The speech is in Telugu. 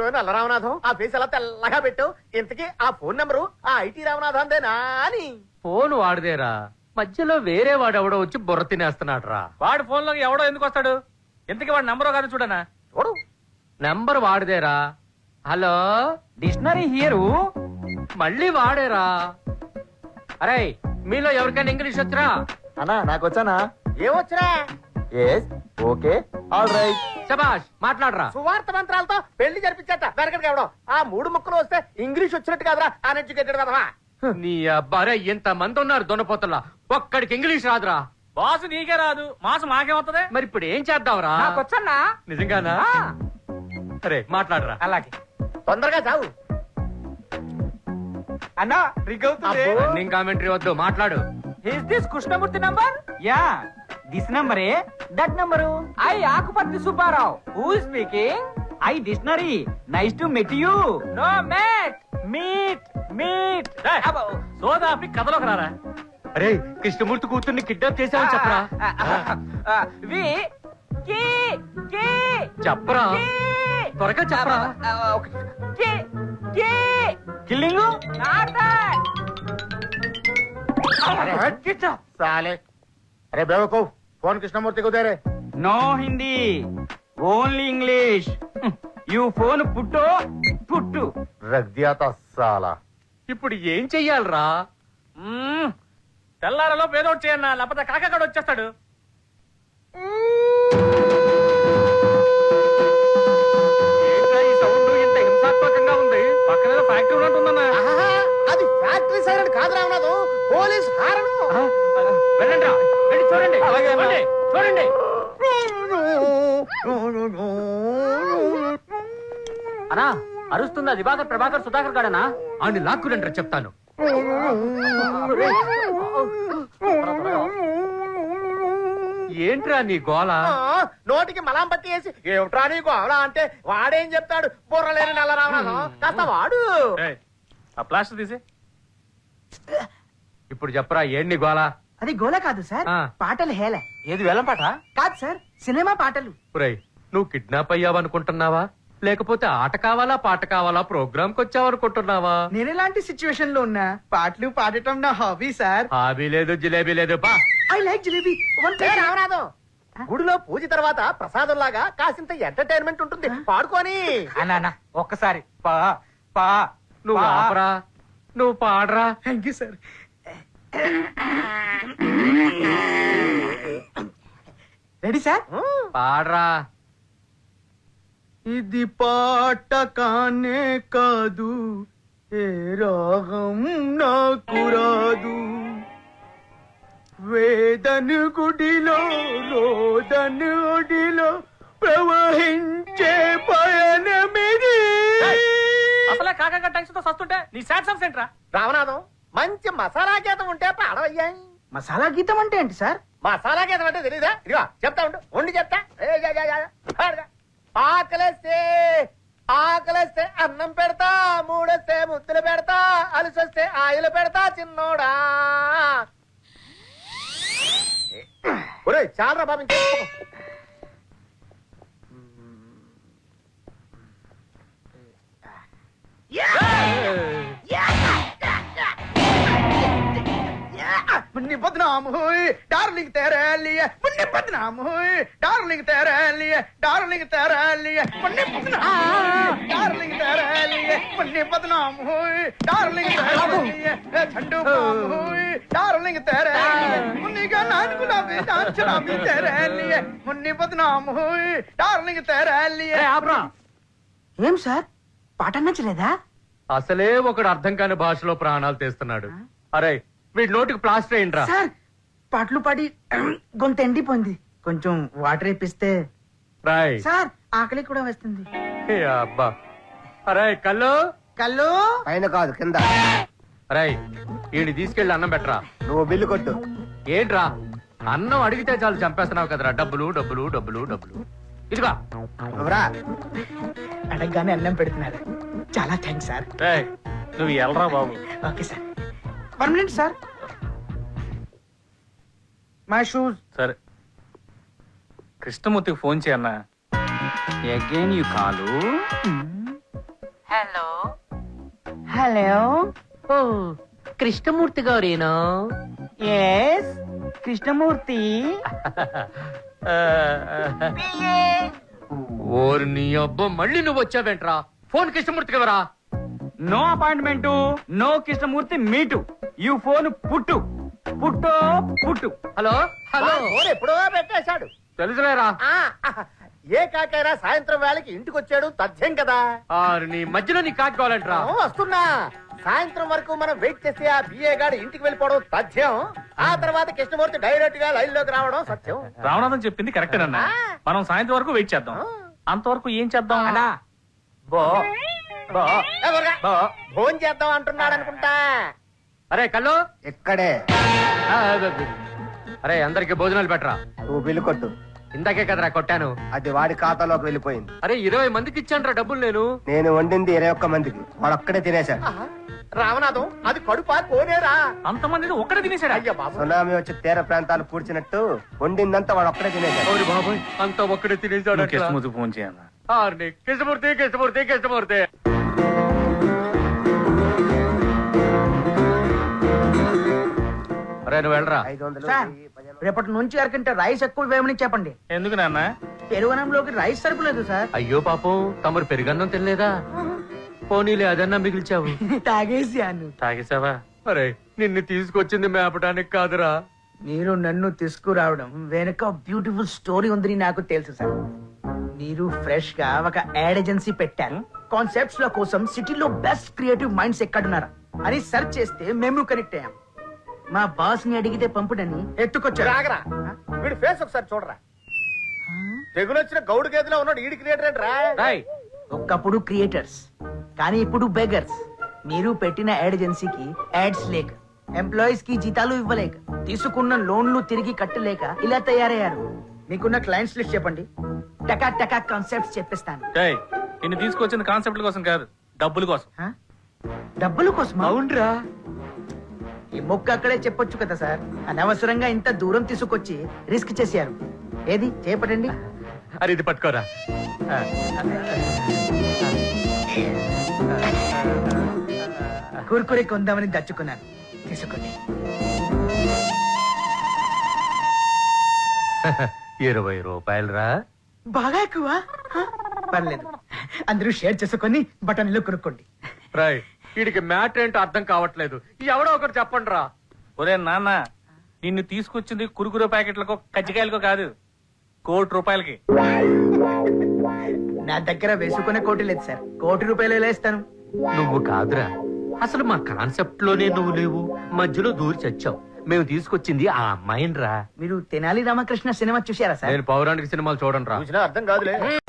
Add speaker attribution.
Speaker 1: ఏమైనా నల్ల రామనాథం ఆ ఫేస్ ఎలా తెల్లగా పెట్టు. ఇంతకీ ఆ ఫోన్ నెంబరు ఆ ఐటీ రామనాథందేనా అని.
Speaker 2: ఫోన్ వాడిదేరా, మధ్యలో వేరే వాడు ఎవడో వచ్చి బుర్ర తినేస్తున్నాడు రా.
Speaker 3: వాడి ఫోన్ లోకి ఎవడో ఎందుకు వస్తాడు? ఇంతకీ వాడి నంబర్ కాదు చూడనా.
Speaker 1: చూడు
Speaker 2: నెంబర్ వాడిదేరా. Hello,
Speaker 3: dictionary here.
Speaker 2: మళ్ళీ వాడేరా. అరే మీలో ఎవరికైనా ఇంగ్లీష్ వచ్చరా?
Speaker 4: అన్నా నాకు వచ్చానా?
Speaker 1: ఏమొచ్చినా
Speaker 4: ఎస్ ఓకే ఆల్ రైట్.
Speaker 2: శబాష్, మాట్లాడరా.
Speaker 1: సువార్త మంత్రాలతో పెళ్లి జరిపించట వెనకటికి ఎవడం. ఆ 3 ముక్కలు వస్తే ఇంగ్లీష్ వచ్చినట్టు కాదురా అన్ఎడ్యుకేటెడ్ కదవా.
Speaker 2: నీ అబ్బారే ఇంత మంది ఉన్నారు దొనపోతల్లా, ఒక్కడికి ఇంగ్లీష్ రాదురా.
Speaker 3: బాసు నీకే రాదు, మాసు మాకేమవుతుంది?
Speaker 2: మరి ఇప్పుడు ఏం చేద్దాంరా?
Speaker 3: వచ్చన్నా.
Speaker 2: నిజంగానా? సరే మాట్లాడరా.
Speaker 3: అలాగే
Speaker 1: తొందరగా చావు.
Speaker 3: అన్నా రింగ్ అవుతుంది.
Speaker 2: రన్నింగ్ కామెంటరీ వద్దు, మాట్లాడు.
Speaker 3: Is this Krishnamurthy number? Ya this number a that number. I Akupatri Subbarao. Who is speaking? I dictionary. Nice to meet you. No mate, meet meet. సోదాపి కథలోకి రారా.
Speaker 2: అరే కృష్ణమూర్తి కూతుర్ని కిడ్నాప్ చేసావని చెప్పరా.
Speaker 3: వి కి కి
Speaker 2: చెప్పరా, త్వరగా చెప్పరా.
Speaker 3: కి కి కిల్లింగ్ నాట్ దట్.
Speaker 1: साले अरे बेवकूफ फोन कृष्णमूर्ति को दे रहे.
Speaker 3: No Hindi, only English. You phone put put.
Speaker 1: रख दिया था साला.
Speaker 2: ఇప్పుడు ఏం చెయ్యాలరా?
Speaker 3: తెల్లారలో పేదోడు చేయన్నా, లేకపోతే కాకగాడు వచ్చేస్తాడు.
Speaker 2: ఏంట్రా ఈ సౌండ్ ఇంత హింసాత్మకంగా ఉంది?
Speaker 3: పక్కన ఫ్యాక్టరీ ఉన్నట్టుందన్నా.
Speaker 1: అది ఫ్యాక్టరీ సైరన్ కాదు రామనాథం, పోలీస్ హారను.
Speaker 2: వెళ్ళండి రా, వెళ్ళి చూడండి. చూడండి, చూడండి. అనా అరుస్తుంది, దివాకర్ ప్రభాకర్ సుధాకర్ గాడనా? అని లాక్కురంటారా చెప్తాను. ఏంట్రా నీ గోల?
Speaker 1: నోటికి మలాం పట్టి వేసి ఏమిట్రా నీ గోల అంటే వాడేం చెప్తాడు? బుర్రలేని నల్ల రామనాథం కాస్త వాడు.
Speaker 3: ఆ ప్లాస్టర్ తీసి.
Speaker 2: ఇప్పుడు చెప్పరా ఏం నీ గోల?
Speaker 5: అది గోల కాదు సార్,
Speaker 2: ఆ.
Speaker 5: పాటలు హేళ.
Speaker 3: ఏది వేలం పాట?
Speaker 5: కాదు సార్, సినిమా పాటలు.
Speaker 2: ఒరేయ్, నువ్వు కిడ్నాప్ అయ్యావనుకుంటున్నావా, లేకపోతే ఆట కావాలా పాట కావాలా ప్రోగ్రామ్ కి వచ్చావనుకుంటున్నావా?
Speaker 5: నేను ఎలాంటి సిచ్యువేషన్ లో ఉన్నా పాటలు పాడటం నా హాబీ సార్.
Speaker 2: హాబీ లేదు, జిలేబీ లేదు. బా
Speaker 5: ఐ లైక్ జిలేబీ.
Speaker 1: ఏ రామనాథం, గుడిలో పూజ తర్వాత ప్రసాదం లాగా కాసింత ఎంటర్టైన్మెంట్ ఉంటుంది, పాడుకొని.
Speaker 3: అన్నా ఒక్కసారి పా పా.
Speaker 2: నువ్వు ఆపరా, నువ్వు పాడరా.
Speaker 5: Thank you sir. Ready sir?
Speaker 2: పాడరా.
Speaker 5: ఇది పాట కానే కాదు, ఏ రాగం నాకు రాదు. వేదను గుడిలో రోదను ఒడిలో ప్రవహించే పయనమిది.
Speaker 3: అసలే కాకగా టెన్షన్ తో సస్తుంటే నీ సాడ్ సాంగ్స్ ఏంట్రా?
Speaker 1: రామనాథం మంచి మసాలా గీతం ఉంటే పాడవయ్యాయి.
Speaker 5: మసాలా గీతం అంటే ఏంటి సార్?
Speaker 1: మసాలా గీతం అంటే తెలీదా? ఇదిగో చెప్తా ఉండు, ఉండి చెప్తా. పాడుగా. ఆకలేస్తే ఆకలేస్తే అన్నం పెడతా, మూడొస్తే ముద్దులు పెడతా, అలసొస్తే ఆయిలు పెడతా చిన్నోడా. ఒరే చాలరా బాబు, ఇంకే
Speaker 5: मुन्नी बदनाम हुई डार्लिंग तेरे लिए, मुन्नी बदनाम हुई डार्लिंग तेरे लिए, डार्लिंग तेरे लिए मुन्नी बदनाम हुई डार्लिंग तेरे लिए, मुन्नी बदनाम हुई डार्लिंग तेरे लिए, झंडू बाम हुई डार्लिंग तेरे लिए, मुन्नी का नान गुलाबी नान शराबी तेरे लिए, मुन्नी बदनाम हुई डार्लिंग तेरे लिए.
Speaker 2: ఆపరా.
Speaker 5: ఏం సార్ పాట నచ్చలేదా?
Speaker 2: అసలే ఒకడు అర్థం కాని భాషలో ప్రాణాలు తీస్తున్నాడు. అరే వీడి నోటికి ప్లాస్టర్ అయిండ్రా.
Speaker 5: సార్ పాటలు పాడి గొంతు ఎండిపోయింది, కొంచెం వాటర్ ఇప్పిస్తే.
Speaker 2: రాయ్.
Speaker 5: సార్ ఆకలి కూడా వస్తుంది.
Speaker 2: ఏ అబ్బా. అరే కళ్ళు
Speaker 5: కళ్ళు
Speaker 1: పైన కాదు కింద.
Speaker 2: అరే వీడిని తీసుకెళ్లి అన్నం పెట్టరా.
Speaker 1: నువ్వు బిల్లు కొట్టు.
Speaker 2: ఏంట్రా అన్నం అడిగితే చాలు చంపేస్తున్నావు కదరా. డబ్బులు డబ్బులు డబ్బులు డబ్బులు. ఇదిగా
Speaker 5: అడగగానే అన్నం పెడుతున్నారు, చాలా థ్యాంక్స్ సార్.
Speaker 3: నువ్వు ఎల్రా బాబు.
Speaker 5: Okay sir. 1 minute sir. My shoes.
Speaker 3: సరే కృష్ణమూర్తికి ఫోన్ చేయన్నా. Again you call. Hello hello
Speaker 2: ఓ కృష్ణమూర్తి గారేనా
Speaker 3: ఎస్ కృష్ణమూర్తి
Speaker 2: ఓరి నీ అబ్బా మళ్ళీ నువ్వు వచ్చావేంట్రా ఫోన్ కృష్ణమూర్తి కదరా
Speaker 3: no appointment no Krishnamurthy meet you phone put put పుట్టు
Speaker 2: హలో హలో
Speaker 1: ఫోన్ ఎప్పుడో పెట్టేశాడు.
Speaker 2: తెలుసులేరా
Speaker 1: ఆ, ఏ కాకైనా సాయంత్రం వేళకి ఇంటికి వచ్చాడు తథ్యం కదా.
Speaker 2: నీ మధ్యలో నీ కాకి కావాలంట్రా
Speaker 1: ఓ, వస్తున్నా. సాయంత్రం వరకు మనం వెయిట్ చేస్తే ఆ బిఏ గాడు ఇంటికి వెళ్ళిపోవడం తథ్యం. ఆ తర్వాత కృష్ణమూర్తి డైరెక్ట్ గా లైన్ లోకి రావడం సత్యం.
Speaker 6: రావణాథం చెప్పింది కరెక్టేనన్నా. మనం సాయంత్రం వరకు వెయిట్ చేద్దాం. అంతవరకు ఏం చేద్దాం
Speaker 3: అన్నా
Speaker 4: బో బో
Speaker 1: ఏ, త్వరగా. భోజనం చేద్దాం అంటున్నాడు అనుకుంటా.
Speaker 2: అరే కళ్ళు
Speaker 1: ఇక్కడే
Speaker 2: ఆ, అరే అందరికి భోజనాలు పెట్టరా.
Speaker 1: నువ్వు బిల్లు కొట్టు.
Speaker 2: ఇందాకే కదరా కొట్టాను.
Speaker 1: అది వాడి ఖాతాలోకి వెళ్ళిపోయింది.
Speaker 2: అరే 20 మందికి ఇచ్చాను డబ్బులు నేను.
Speaker 1: నేను వండింది 21 మందికి, వాడు ఒక్కడే తినేశాడు. రామనాథం, అది కడుపా కోనేరా?
Speaker 6: అంతమంది ఒక్కడే తినేసాడు.
Speaker 1: అయ్యా బాబు, సునామీ వచ్చి తీర ప్రాంతాలు కూర్చున్నట్టు వండిందంతా వాడు ఒక్కడే తినేశాడు.
Speaker 2: అవును బాబాయ్ అంతా ఒక్కడే తినేసాడు.
Speaker 6: కృష్ణమూర్తి ఫోన్ చేయన్నా.
Speaker 2: కృష్ణమూర్తి కృష్ణమూర్తి కృష్ణమూర్తి అరే నువ్వు వెళ్ళరా.
Speaker 1: 500,
Speaker 3: సార్,
Speaker 1: 1000.
Speaker 3: రేపటి నుంచి అరకంటే రైస్ ఎక్కువ వేయమని చెప్పండి.
Speaker 6: ఎందుకు నాన్న?
Speaker 3: పెరుగనంలోకి రైస్ సరిపోలేదు సార్.
Speaker 2: అయ్యో పాపం తమరు పెరుగన్నం తినలేదా? పోనీలే అదన్నా మిగిల్చావు.
Speaker 3: తాగేసాను.
Speaker 6: తాగేసావా?
Speaker 2: అరే నిన్ను తీసుకొచ్చింది మేపడానికి కాదురా.
Speaker 3: మీరు నన్ను తీసుకురావడం వెనక బ్యూటిఫుల్ స్టోరీ ఉందని నాకు తెలుసు సార్. మీరు ఫ్రెష్ గా ఒక యాడ్ ఏజెన్సీ పెట్టారు. కాన్సెప్ట్స్ ల కోసం సిటీలో బెస్ట్ క్రియేటివ్ మైండ్స్ ఎక్కడున్నారా అని సెర్చ్ చేస్తే మేము కనెక్ట్ అయ్యాం. మా బాస్ ని అడిగితే పంపుడని ఎత్తుకొచ్చారు.
Speaker 1: రాగరా, వీడి ఫేస్ ఒకసారి చూడరా. తెగులొచ్చిన గౌడు గేదెలో ఉన్నాడు. ఈడి క్రియేటర్ ఏంట్రా?
Speaker 2: రాయ్
Speaker 3: ఒకప్పుడు క్రియేటర్స్ కానీ ఇప్పుడు బెగర్స్. మీరు పెట్టిన యాడ్ ఏజెన్సీకి యాడ్స్ లేక, ఎంప్లాయీస్ కి జీతాలు ఇవ్వలేక, తీసుకున్న లోన్లు తిరిగి కట్టలేక ఇలా తయారయ్యారు. మీకున్న క్లయింట్స్ లిస్ట్ చెప్పండి, టకా టకా కాన్సెప్ట్స్ చెప్పిస్తాను.
Speaker 6: ఏయ్, నిన్ను తీసుకొచ్చింది కాన్సెప్ట్ కోసం కాదు, డబ్బుల కోసం.
Speaker 3: హ? డబ్బుల కోసం?
Speaker 2: అవునరా.
Speaker 3: ఈ మొక్క అక్కడే చెప్పొచ్చు కదా సార్. అనవసరంగా ఇంత దూరం తీసుకొచ్చి రిస్క్ చేశారు. ఏది చేపట్టండి.
Speaker 2: అరే ఇది పట్టుకోరా.
Speaker 3: కుర్కురే కొందామని దచ్చుకున్నాను, తీసుకోండి.
Speaker 2: 20 రూపాయలు రా.
Speaker 3: బాగా ఎక్కువ. హ? పర్లేదు, అందరూ షేర్ చేసుకొని బటన్లో కొనుక్కోండి.
Speaker 2: రాయ్ వీడికి మ్యాట్ ఏంటో అర్థం కావట్లేదు. ఎవడో ఒకరు చెప్పండి రా.
Speaker 6: ఒరే నాన్న, నిన్ను తీసుకొచ్చింది కురుకురు ప్యాకెట్లకో కజ్జికాయలకో కాదు, ₹1,00,00,000.
Speaker 3: నా దగ్గర వేసుకునే కోటి లేదు సార్. ₹1,00,00,000 వేస్తాను.
Speaker 2: నువ్వు కాదురా, అసలు మా కాన్సెప్ట్ లోనే నువ్వు లేవు. మధ్యలో దూరి చచ్చావు. మేము తీసుకొచ్చింది ఆ అమ్మాయిని రా.
Speaker 3: మీరు తెనాలి రామకృష్ణ సినిమా చూసారా సార్?
Speaker 2: నేను పౌరాణిక సినిమాలు చూడండి రా.
Speaker 1: చూసినా అర్థం కాదులే.